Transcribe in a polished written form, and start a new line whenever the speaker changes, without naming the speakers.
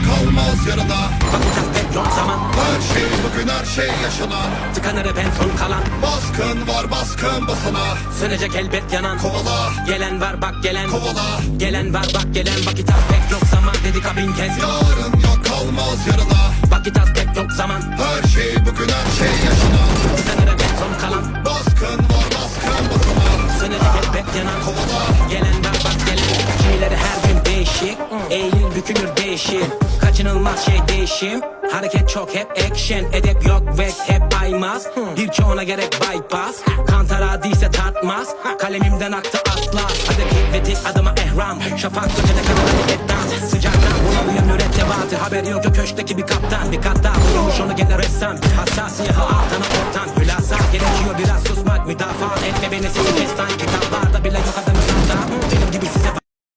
kalmaz yarına.
Vakit az pek yok zaman.
Her şey bugün, her şey yaşanan.
Tıkanır hep en son kalan.
Baskın var, baskın basana.
Sönecek elbet yanan.
Kovala,
Gelen var bak gelen.
kovala.
Gelen var bak gelen. Vakit az pek yok zaman dedik bin kez.
Yarın yok, kalmaz yarına.
Vakit az pek yok zaman.
Her şey bugün, her şey yaşanan.
Tıkanır hep en son kalan.
Baskın var, baskın basana.
Sönecek elbet yanan.
Kovala,
Gelen var bak gelen. Kimileri her gün değişik. Eğilir bükülür değişir. Kaçınılmaz şey değişim. Hareket çok hep action. Edep yok ve hep aymaz. Birçoğuna gerek bypass. Kantara değilse tartmaz. Kalemimden aktı atlas. Hadeki ve dik adıma ehram. Şafak sökene kadar hareket dans. Sıcaktan bulamıyor mürettebatı. Haber yok köşkteki bir kaptan. Bir kat daha bulmuş onu gene ressam. Hassasiyeti altına ortam. Hülasa gerekiyor biraz susmak. Müdafaa etme beni sesi destan. Kitaplarda bile yok adını